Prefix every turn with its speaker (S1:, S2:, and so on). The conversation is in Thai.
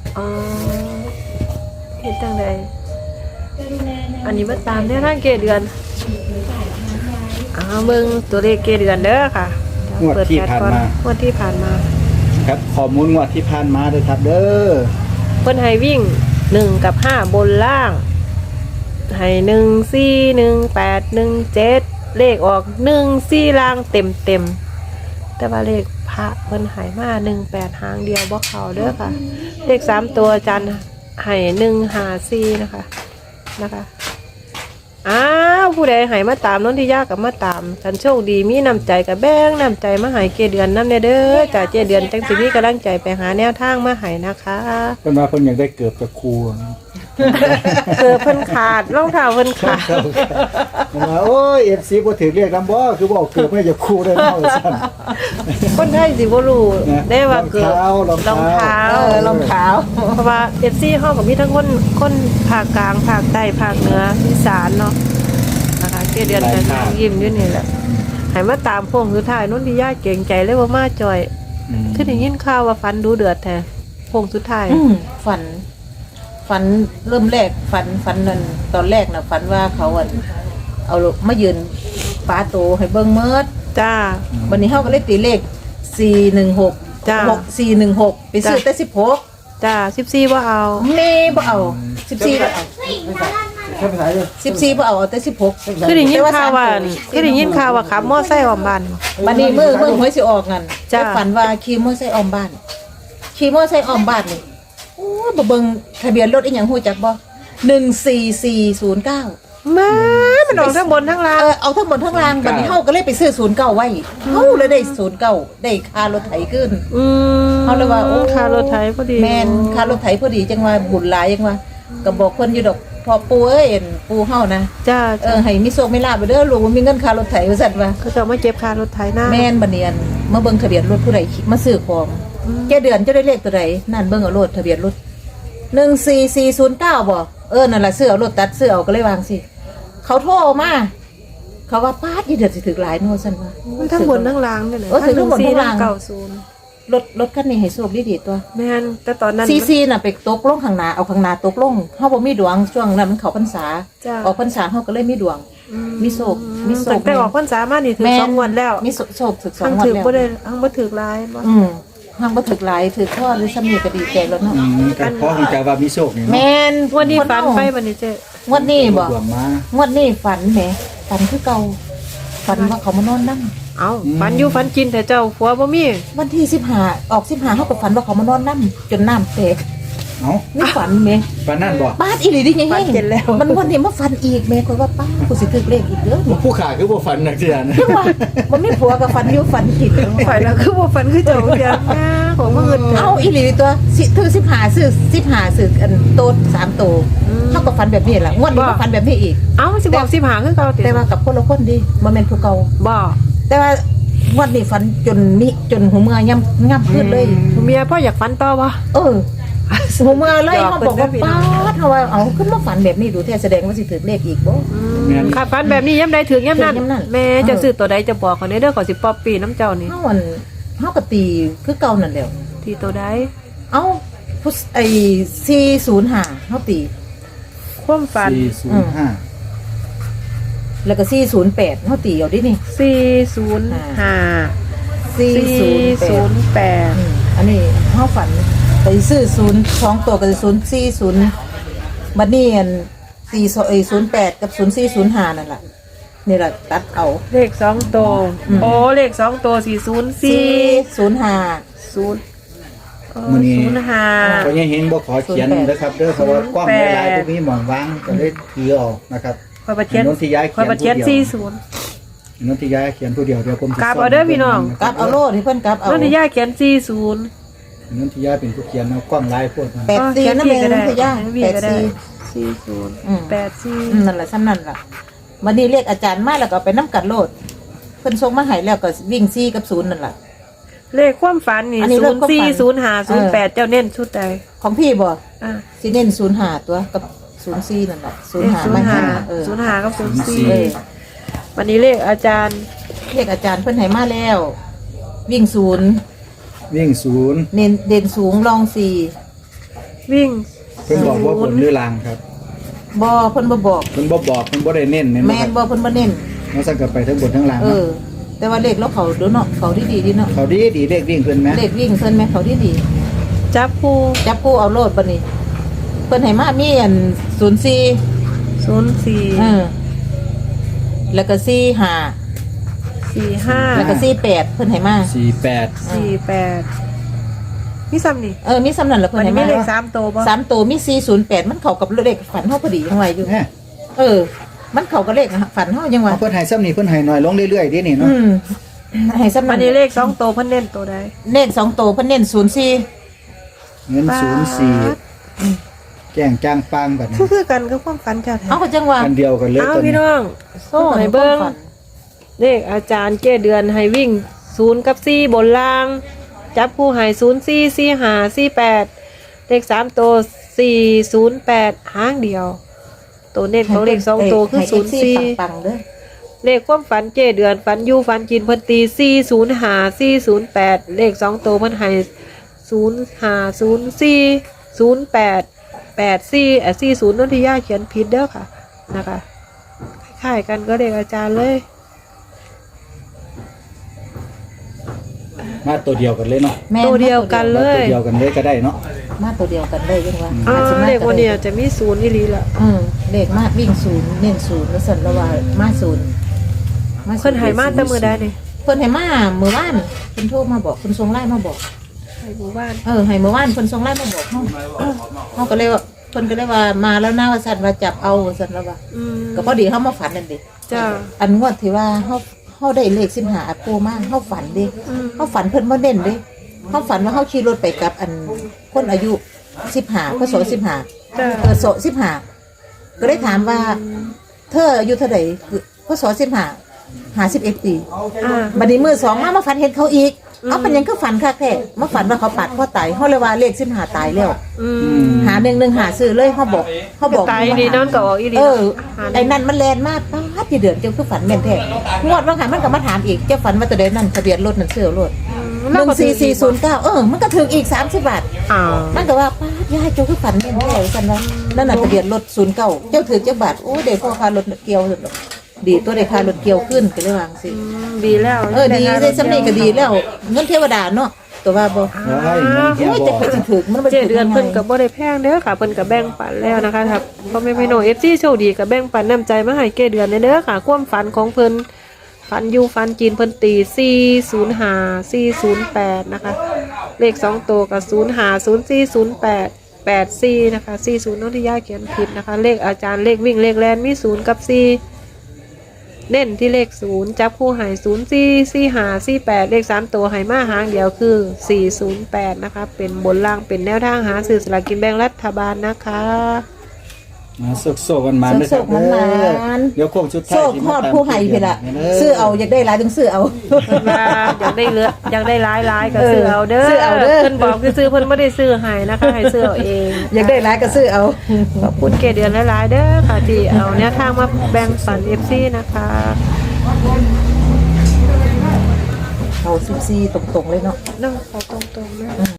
S1: อ๋อเฮ็ดจังไดอันนี้มาตามแนวทางเกเดือนเบิ่งตัวเลขเกเดือนเด้อค่ะ
S2: งวดที่ผ่านมาง
S1: วดที่ผ่านมา
S2: ครับข้อมูลงวดที่ผ่านมาด้วยครับเด้อ
S1: เพิ่นให้วิ่ง1กับ5บนล่างให้1 4 1 8 1 7เลขออก1 4ล่างเต็มแต่ว่าเลขพระเพิ่นให้มา18หางเดียวบ่เข้าเด้อค่ะเลข3ตัวอาจารย์ให้1 5 4นะคะผู้ใดให้มาตามน้นที่ยากกับมาตามฉันโชคดีมีน้ำใจกับแบ่งน้ำใจมาให้เกเดือนน้ำเด้อจ่าเจเดือนจังสิมีกำลังใจไปหาแนวทางมาให้นะคะ
S2: เพิ่นว่าเพิ่นอยากได้เกือบจากครู
S1: เพิ่นขาดรองเท้าเพิ่นขาด
S2: โอ้ย FC บ่ถือเรียกนำบ่คือบ่เกือบไม่จากครูได้เนาะซั่น
S1: คนไทยสิบ่รู้ได้ว่าเกือบรองเท้าเพราะว่า FC เฮาก็มีทั้งคนภาคกลางภาคใต้ภาคเหนืออีสานเนาะนะคะเกเดือนกันยิ้มอยู่นี่แหละให้มาตามพงสุดท้ายนนทิยาเก่งใจเลยว่ามาจอยคือได้ยินข่าวว่าฟันดูเดือดแท้พงสุดท้าย
S3: ฝันเริ่มแรกฝันนั่นตอนแรกน่ะฝันว่าเขาเอามายืนปาโตให้เบิ่งเมิด
S1: จ้า
S3: วันนี้เฮาก็เลยตีเลข416
S1: จ้า
S3: 6416ไปซื้อแต่16
S1: จ้า14บ่เอา
S3: แม่บ่เอา14บ่เอา14บ่เอาแต่16
S1: คือได้ยินข่าวว่าขับมอไซค์ออกบ้าน
S3: บัดนี้มื้อหวยสิออกงั้นจะฝันว่าขี่มอไซค์ออกบ้านนี่โอ้บ่เบิ่งทะเบียนรถอีหยังฮู้จักบ่14409
S1: มันออกทั้งบนทั้งล่าง
S3: เอาทั้งบนทั้งล่างบัดนี้เฮาก็เลยไปซื้อ09ไว้เฮาเลยได้09ได้ค่ารถไถขึ้นเฮาเลยว่าโอ้
S1: ค่ารถไถพอดี
S3: แม่นค่ารถไถพอดีจังว่าบุญหลายจังว่าก็บอกเพิ่นอยู่ดอกพอปู่เอ้ยปู่เฮานะ
S1: จ้า
S3: ให้มีโชคมีลาภไปเด้อลูกมีเงินค่ารถไถว่าซั่นว่า
S1: เขาจะมาเก็บค่ารถไถหน้า
S3: แม่นบัดนี้มาเบิ่งทะเบียนรถผู้ใดมาซื้อของแกเดือนจะได้เลขตัวใดนั่นเบิ่งเอารถทะเบียนรถ14409บ่นั่นล่ะซื้อเอารถตัดซื้อเอาก็เลยวางสิเขาโทรมาเขาว่าป้าดอีเดือดสิถึกหลายโน่ซั่นว่า
S1: ทั้งบนทั้งล่างนั่นแหละ
S3: ถึงทั้งบนทั้งล่าง
S1: 90
S3: รถคันนี้ให้โชคดีๆตัว
S1: แม่นแต่ตอนนั้น
S3: ซีน่ะไปตกลงข้างหน้าเอาข้างหน้าตกลงเฮาบ่มีดวงช่วงนั้นมันเข้าพรรษาออกพรรษาเฮาก็เลยมีดวงมีโชค
S1: แต่ออกพรรษามานี่ถึง2 งวดแล้ว
S3: มีโชคถึง2 งวดแล้ว
S1: บ่ได้บ่ถึกหลายบ่
S3: ห้างบ่ถึกหลายถือข้อหรือซ้ำนี่ก็ดีใจแล้วเนาะ
S2: กันเพราะคงจะว่ามีโชคนี่เนาะ
S3: แม่น
S1: วันนี้ฝันไปบัดนี้เจ้
S3: งวดนี้บ่งวดนี้ฝันแหมฝันคือเก่าฝันว่าเขามานอนนำ
S1: ฝันอยู่ฝันกินแต่เจ้าผัวบ่มี
S3: วันที่15ออก15เฮาก็ฝันว่าเขามานอนนำจนน้ำแตกนี่ฝันแม่
S2: ฝันนั่นบ่
S3: ป้าอีหลีดิยังมันวันนี้มาฝันอีกแม่ก็ว่าป้ากูสิถึกเลขอีกเด้อ
S2: ผู้ขาคือบ่ฝันนักเสียนะ
S3: ว่ามันไม่ผัวกับฝันอยู่ฝันกิน
S1: ข่อยแล้วคือบ่ฝันคือเจ้าเดียวของมื้ออื่น
S3: อีหลีตัวถึง15ซื้ออันโต3โตเฮาก็ฝันแบบนี้ล่ะงวดนี้ก็ฝันแบบนี้อีก
S1: สิบอก15คือเก่า
S3: แต่ว่ากับคนละคนดิบ่แม่นผู้เก่า
S1: บ่
S3: แต่ว่างวดนี้ฝันจนหัวเมื่อย่ำขึ้นเลย
S1: เมียพ่ออยากฝันต่อบ่
S3: หัวเมื่อเลยเขาบอกว่าป้าเขาว่าเอาขึ้นมาฝันแบบนี้ดูแท้แสดงว่าสิถือเลขอีกบ่
S1: ค่ะฝันแบบนี้ย่ำใดถึงย่ำนั้นแม่จะซื้อตัวใดจะบอกเขาเด้อขอสิป๊อปปี้น้ำเจ้านี่
S3: เฮาก็ตีคือเก่านั่นแหละ
S1: ที่ตัวใด
S3: 405เฮาตี
S1: ความฝัน
S2: 405
S3: แล้วก็408เฮาตีเอาดินี่
S1: 408
S3: อันนี้เฮาฝันไปซื้อ02ตัวกับ040บัดนี้อัน408กับ0405นั่นล่ะนี่ล่ะตัดเอา
S1: เลข2ตัวเลข2ตัว
S3: 40405
S2: มื้อนี้05ก็ยังเห็นบ่ขอเขียนนะครับเด้อเพราะว่ากล้องหลายๆพวกนี้หม่องวางก็เลยถือออกนะครับ
S1: ค่อยบ่เขียน40
S2: นนทิยาเขียนผู้เดียวผม
S1: กลับเอาเด้อพี่น้อง
S3: กลับเอาโลดให้เพิ่นกลับเอา
S1: นนทิยาเขียน40
S2: นนทิยาเป็นผู้เขียนเอากล้องลายพวก
S3: 84นั่นเองนนทิยา
S1: 84
S3: นั่นแหละซ้ำนั่นล่ะวันนี้เรียกอาจารย์มาแล้วก็ไปน้ำกัดโลดเพิ่นส่งมาให้แล้วก็วิ่ง4กับ0นั่นล่ะ
S1: เลขความฝันนี่040508เจ้าเน้นชุดใด
S3: ของพี่บ่สิเน้น05ตัวกับ04นั่นล่ะ05ไม่
S1: 05กับ04วันนี้เลขอาจารย์
S3: เพิ่นให้มาแล้ววิ่ง0เด่นสูงรอง4
S1: วิ่ง
S2: เพิ่นบอกว่าบนหรือลางครับ
S3: บ่เพิ่นบ่บอก
S2: เพิ่นบ่บอกเพิ่นบ่ได้เน้นแม่นบ่
S3: แม่
S2: คน รับ
S3: บ่เพิ่นบ่เน้น
S2: มันสั่งกันไปทั้งบนทั้งล่าง
S3: เอ
S2: เนาะ
S3: อ แต่ว่าเลขแล้วเขาดูเนาะเขาดีเนาะ
S2: เขาดีเลขวิ่งเพิ่นแม่
S3: เลขวิ่งเพิ่นแม่เขาดี
S1: จับคู่
S3: จับคู่เอาโลดบัดนี้เพิ่นให้มามีอัน04
S1: 04
S3: เออแล้วก็45
S1: 45
S3: แล้วก็48เพิ่นให้มา
S2: 48
S1: 48มีซ้ำนี่
S3: มีสำนันละเพิ่
S1: มัน น
S3: ให้
S1: มี
S3: มา
S1: เลข3ตัวบ่
S3: 3ตัวมี408มันเข้ากับเลขฝันเฮาพอดียังไงอยู่
S2: แม่
S3: เออ มันเข้ากับเลขฝันเฮายังว่า
S2: เอาเพิ่นให้ซ้ำนี่เพิ่นให้น้อยลงเรื่อยๆดินี่เนาะ
S3: ให้สำนั
S1: มัน นนี้เลข2ตัวเพิ่นเน้นตัวใด
S3: เลข2ตัวเพิ่นเน้น04
S2: เงิน04แจ้งจ้างปางบัดนี้
S1: คือกันกับความฝันจ้ะแท้
S3: เอาก็จังว่า
S2: อันเดียวกันเลย
S1: เอา
S2: ตัว
S1: พี่
S2: นี้
S1: น้องโซ่ให้เบิ่งเลขอาจารย์เก้เดือนให้วิ่ง0กับ4บนล่าง จับคู่ให้04 45 48เลข3ตัว408หางเดียว ตัวเน้นของเลข2ตัวคือ
S3: ให้
S1: 04
S3: ปังๆเด้อ
S1: เลขความฝันเจเดือนฝันอยู่ฝันกินเพิ่นตี405 408เลข2ตัวเพิ่นให้0504 08 84 40นนทิยาเขียนผิดเด้อค่ะนะคะคล้ายๆกันก็เลขอาจารย์เลย
S2: มาตัวเดียวกันเลยเนาะ
S3: แม่
S1: ตัวเดียวกันเล
S2: ตัวย เดียวกันเลยก็ได้เนาะ
S3: มาตัวเดียวกันเลยยังว่า
S1: อ่า
S3: อาจจะมา
S1: เลขวันนี้จะมี0อีหลีล่ะ
S3: เลขมาวิ่ง0เน้น0แล้วสั่นละว่ามา0
S1: เพิ่นให้มาแต่มื้อใดนี่
S3: เพิ่นให้มาเมื่อวานเพิ่นโทรมาบอกเพิ่นส่งไลน์มาบอก
S1: ให้หมู่บ้าน
S3: ให้เมื่อวานเพิ่นส่งไลน์มาบอกเฮาก็เลยว่าเพิ่นก็เลยว่ามาแล้วนะว่าสั่นว่าจับเอาสั่นละว่า
S1: อืม
S3: ก็พอดีเฮามาฝันนั่นเด้
S1: จ้า
S3: อันงวดที่ว่าเฮาได้เลข15อัปโปมาเฮาฝันเด้
S1: อืม
S3: เฮาฝันเพิ่นบ่เด่นเด้เฮาฝันว่าเฮาขี่รถไปกับอันคนอายุ15พศ15
S1: จ้า
S3: ศ15ก็เลยถามว่า เธออายุเท่าใดคือพศ51ปี
S1: อ่า
S3: บัดนี้มื้อ2มาฝันเห็นเขาอีกเอาเป็นหยังคือฝันคักแท้มาฝันว่าเขาปาดพ่อตายเฮาเลยว่าเลข15ตายแล้ว
S1: อืม
S3: หา1ซื้อเลยเฮาบอก
S1: ตายนี่นั่นก็ออกอีหลี
S3: ไอ้นั่นมันแลนมากป้าที่เดือนเจ้าคือฝันแม่นแท้งวดว่าหันมันก็มาถามอีกเจ้าฝันว่าตัวใดนั่นทะเบียนรถนั่นซื้อรถ 14409มันก็ถึงอีก30 บาท
S1: อ้าว
S3: มันก็ว่าป้ายายเจ้าคือฝันแม่นแท้กันว่านั่นน่ะทะเบียนรถ09เจ้าถือเจ้าบาทโอ้เด็กพ่อพารถเกี่ยวดีตัวเด็กพารถเกี่ยวขึ้นก็เลยวางสิ
S1: ดีแล้ว
S3: ดีได้สำเร็จก็ดีแล้วเงินเทวดาเนาะตัวว่าบ่
S2: เฮ้ยมันเฮีย
S3: โอ้ย
S2: บ
S3: จะ
S2: อก
S3: ไปถึงมันบ่
S1: เจ็ดเดือนเพิ่นกับบ่ได้แพงเด้อค่ะเพิ่นกับแบ่งปันแล้วนะคะครับพ่อแม่พี่น้อง FC โชคดีกับแบ่งปันน้ำใจมาให้เกเดือนเด้อค่ะความฝันของเพิ่นฝันอยู่ฝันจีนเพิ่นตี405 408นะคะเลข2ตัวกับ05 0408 84นะคะ40นนทิยาเขียนผิดนะคะเลขอาจารย์เลขวิ่งเลขแลนมี0กับ4เน้นที่เลข0จับคู่ให้044548เลข3ตัวให้มาหางเดียวคือ408นะคะเป็นบนล่างเป็นแนวทางหาซื้อสลากกินแบ่งรัฐบาลนะคะ
S2: มาโซกกันมานะครับเดี๋ยวโค้งสุดท้าย
S3: โชคฮอดผู้ให้พี่ล่ะซื้อเอาอยากได้หลายต้องซื้อเอา
S1: ว่าอยากได้เหลืออยากได้หลายๆก็ซื้อเอาเด้อ
S3: ซื้อเอาเด้อ
S1: เพิ่นบอกคือซื้อเพิ่นบ่ได้ซื้อให้นะคะให้ซื้อเอาเอง
S3: อยากได้หลายก็ซื้อเอา
S1: ขอบคุณเกเดือนหลายๆเด้อค่ะที่เอาแนวทางมาแบ่งปัน FC นะคะ
S3: เอา14ตรงๆเลยเนาะ
S1: นั่งขอตรงๆนะ